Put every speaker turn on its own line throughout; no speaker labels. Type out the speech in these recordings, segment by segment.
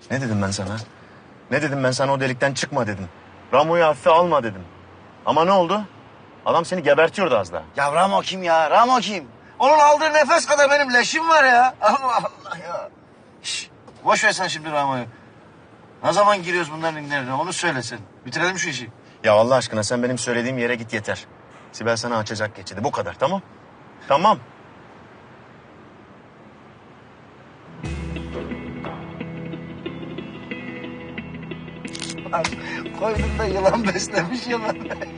Ne dedim ben sana? Ne dedim ben sana, o delikten çıkma dedim. Ramo'yu hafife alma dedim. Ama ne oldu? Adam seni gebertiyordu az daha.
Ya Ramo kim ya? Ramo kim? Onun aldığı nefes kadar benim leşim var ya. Allah Allah ya. Şş, boş ver sen şimdi Ramo'yu. Ne zaman giriyoruz bunların inlerine onu söylesin. Bitirelim şu işi.
Ya Allah aşkına sen benim söylediğim yere git yeter. Sibel sana açacak geçidi. Bu kadar, tamam? Tamam.
Lan koynunda yılan beslemiş yılan.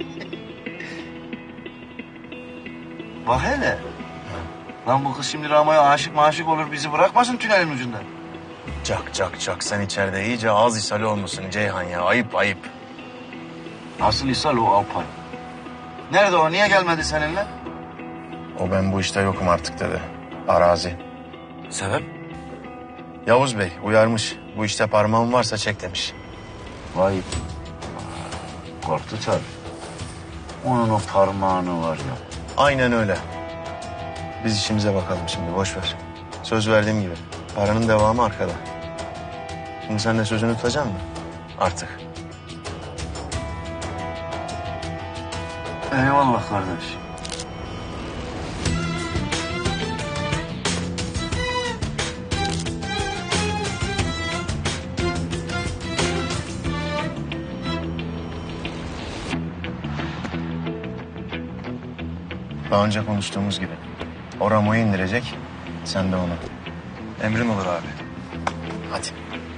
Bak hele. Lan bu kız şimdi Ramo'ya aşık olur bizi bırakmasın tünelin ucunda.
Çak. Sen içeride iyice ağız ishali olmuşsun Ceyhan ya. Ayıp.
Asıl ishal o Alpay. Nerede o? Niye gelmedi seninle?
O ben bu işte yokum artık dedi. Arazi.
Sebep?
Yavuz Bey uyarmış. Bu işte parmağın varsa çek demiş.
Vay. Korktu tabii. Onun o parmağını var ya.
Aynen öyle. Biz işimize bakalım şimdi, boş ver. Söz verdiğim gibi. Paranın devamı arkada. Şimdi sen de sözünü tutacaksın mı? Artık.
Eyvallah kardeş.
Daha önce konuştuğumuz gibi. O Ramo'yu indirecek, sen de onu. Emrin olur abi. Hadi.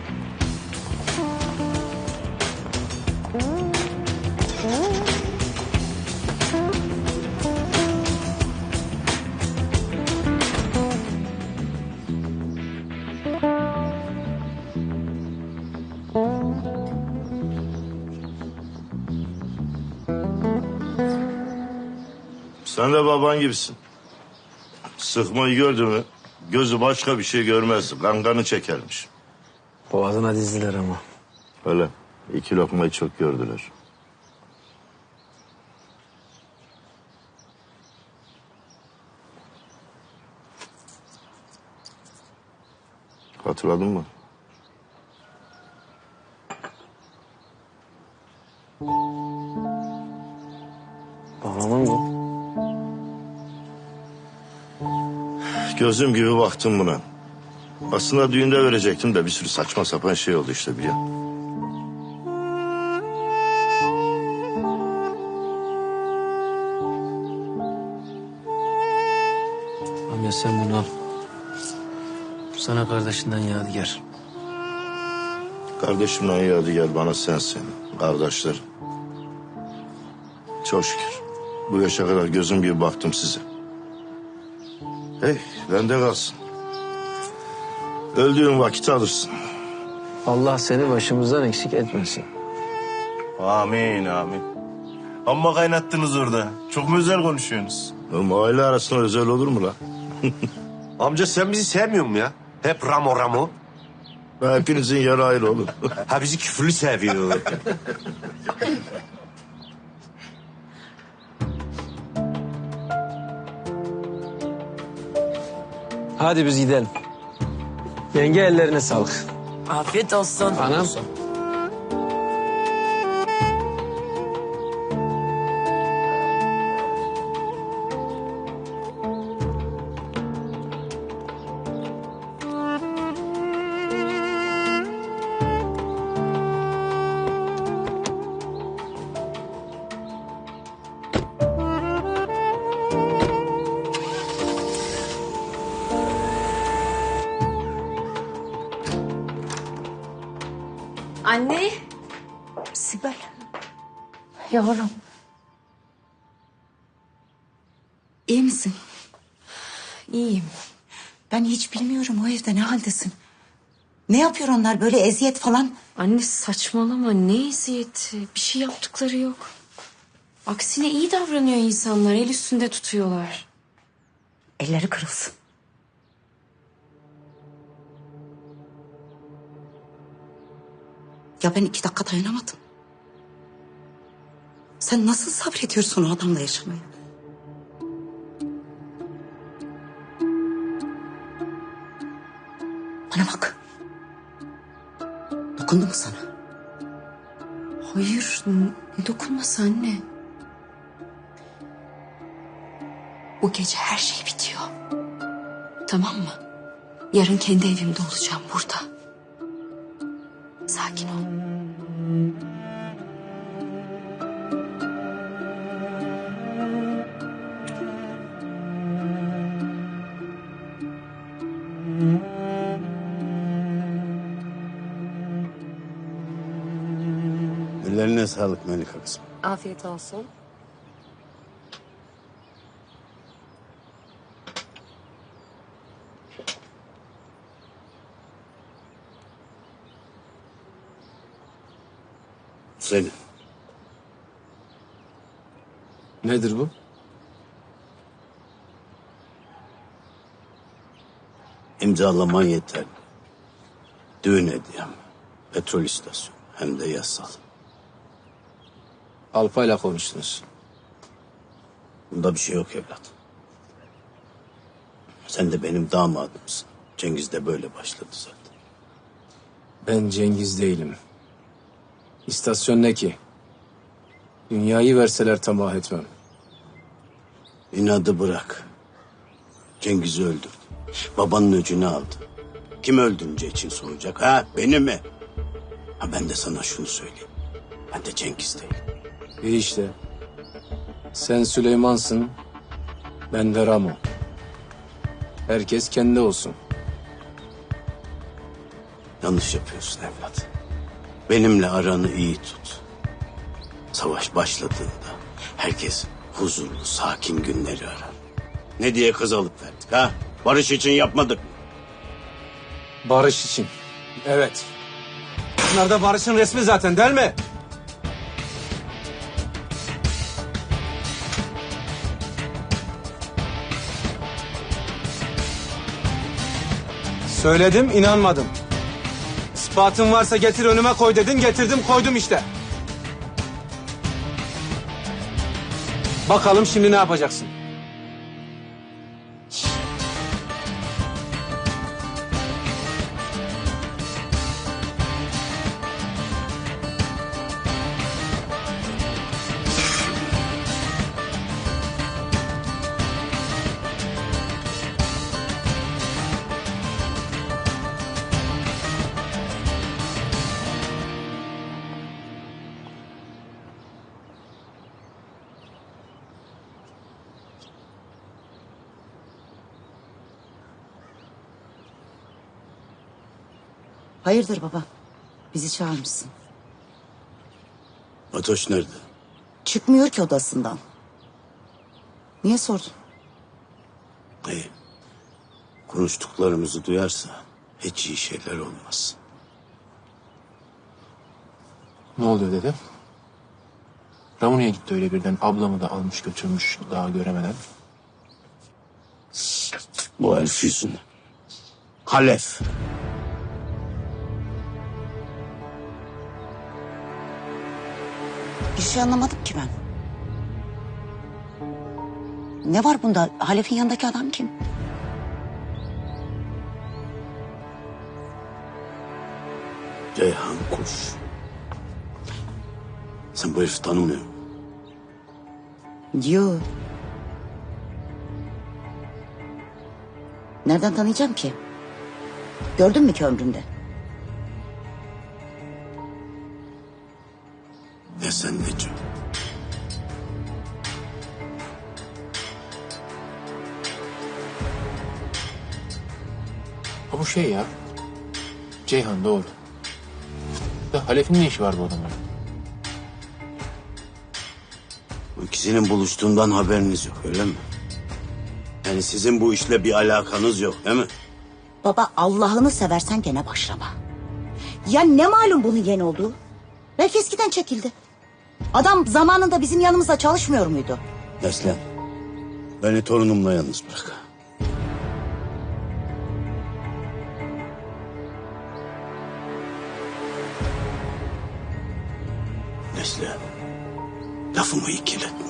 Sen de baban gibisin. Sıkmayı gördü mü gözü başka bir şey görmezdi. Kankanı çekermiş.
Boğazına dizdiler ama.
Öyle 2 lokmayı çok gördüler. Hatırladın mı?
Babamın bu.
Gözüm gibi baktım buna. Aslında düğünde verecektim de bir sürü saçma sapan şey oldu işte biliyor.
Amca sen bunu al. Sana kardeşinden yadigar.
Kardeşimle yadigar bana sensin. Kardeşler. Çok şükür. Bu yaşa kadar gözüm gibi baktım size. Hey, bende kalsın. Öldüğün vakit alırsın.
Allah seni başımızdan eksik etmesin.
Amin. Amma kaynattınız orada. Çok mu özel konuşuyorsunuz?
Oğlum aile arasında özel olur mu lan?
Amca sen bizi sevmiyor musun ya? Hep Ramo.
Hepinizin yeri ayrı oğlum.
Ha bizi küfürlü seviyor.
Hadi biz gidelim. Yenge ellerine sağlık.
Afiyet olsun.
Anam.
Anne.
Sibel.
Yavrum.
İyi misin?
İyiyim.
Ben hiç bilmiyorum o evde ne haldesin. Ne yapıyor onlar böyle eziyet falan?
Anne saçmalama, ne eziyeti. Bir şey yaptıkları yok. Aksine iyi davranıyor insanlar. El üstünde tutuyorlar.
Elleri kırılsın. Ya ben 2 dakika dayanamadım. Sen nasıl sabrediyorsun o adamla yaşamaya? Bana bak. Dokundu mu sana?
Hayır, ne dokunması anne? Bu gece her şey bitiyor. Tamam mı? Yarın kendi evimde olacağım burada. Sakin ol.
Ellerine sağlık Melika kızım.
Afiyet olsun.
Senin.
Nedir bu?
İmzalaman yeterli. Düğün hediyem. Petrol istasyonu. Hem de yasal.
Alpa'yla konuştunuz.
Bunda bir şey yok evlat. Sen de benim damadımsın. Cengiz de böyle başladı zaten.
Ben Cengiz değilim. İstasyon ne ki? Dünyayı verseler tamah etmem.
İnadı bırak. Cengiz'i öldürdü. Babanın öcünü aldı. Kim öldürünce için soracak? Ha, beni mi? Ha, ben de sana şunu söyleyeyim. Ben de Cengiz değilim.
İyi işte. Sen Süleyman'sın, ben de Ramo. Herkes kendi olsun.
Yanlış yapıyorsun evlat. Benimle aranı iyi tut. Savaş başladığında herkes huzurlu, sakin günleri arar. Ne diye kız alıp verdik ha? Barış için yapmadık mı?
Barış için. Evet. Bunlar da barışın resmi zaten değil mi? Söyledim, inanmadın. İspatın varsa getir önüme koy dedin, getirdim koydum işte. Bakalım şimdi ne yapacaksın?
Hayırdır baba? Bizi çağırmışsın.
Fatoş nerede?
Çıkmıyor ki odasından. Niye sordun?
İyi. Konuştuklarımızı duyarsa hiç iyi şeyler olmaz.
Ne oluyor dede? Ramuni'ye gitti öyle birden. Ablamı da almış götürmüş daha göremeden.
Bu herif yüzünden. Halef.
Bir şey anlamadım ki ben. Ne var bunda? Halef'in yanındaki adam kim?
Ceyhan Kuş. Sen bu herifi tanımıyor musun?
Yo. Nereden tanıyacağım ki? Gördün mü ki ömrümde?
Ne sen ne Cem.
Ha bu şey ya. Ceyhan doğru. Da Halef'in ne işi var bu adamların?
Bu ikisinin buluştuğundan haberiniz yok öyle mi? Yani sizin bu işle bir alakanız yok değil mi?
Baba Allah'ını seversen gene başlama. Ya ne malum bunun yeni olduğu? Belki eskiden çekildi. Adam zamanında bizim yanımızda çalışmıyor muydu?
Neslihan, beni torunumla yalnız bırak. Neslihan, lafımı ikiletme.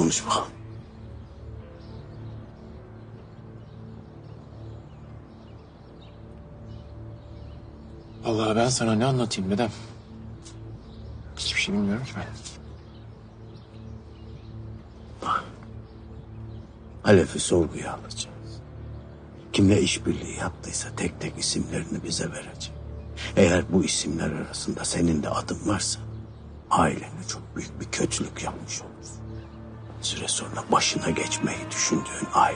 Konuş bakalım.
Vallahi ben sana ne anlatayım dedem? Hiçbir şey bilmiyorum ki ben.
Halef'i sorguya alacağız. Kimle işbirliği yaptıysa tek tek isimlerini bize verecek. Eğer bu isimler arasında senin de adın varsa ailene çok büyük bir kötülük yapmış olursun. Süre sonra başına geçmeyi düşündüğün aile.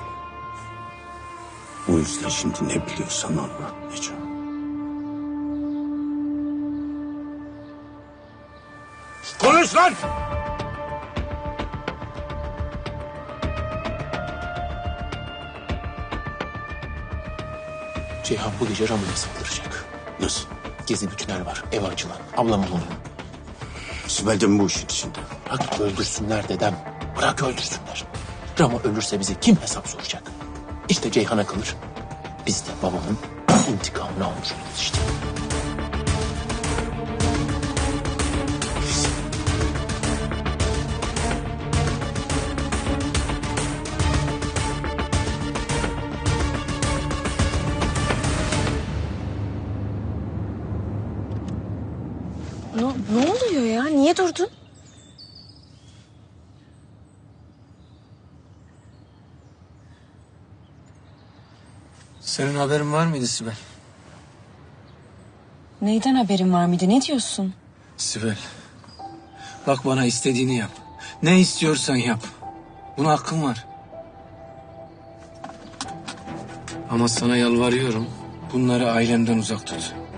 Bu yüzden şimdi ne biliyorsan anlat Neco.
Konuş lan!
Ceyhan bu gece Ramon'a saldıracak.
Nasıl?
Gezi bütünler var. Ev açılan. Ablamın oğlu.
Sibel de mi bu işin içinde?
Bırak öldürsünler dedem. Bırak öldürsünler. Ramo ölürse bize kim hesap soracak? İşte Ceyhan'a kalır. Biz de babamın intikamını almış oluruz işte.
Ne oluyor ya? Niye durdun?
Senin haberin var mıydı Sibel?
Neyden haberin var mıydı? Ne diyorsun?
Sibel, bak bana istediğini yap. Ne istiyorsan yap. Buna hakkın var. Ama sana yalvarıyorum, bunları ailemden uzak tut.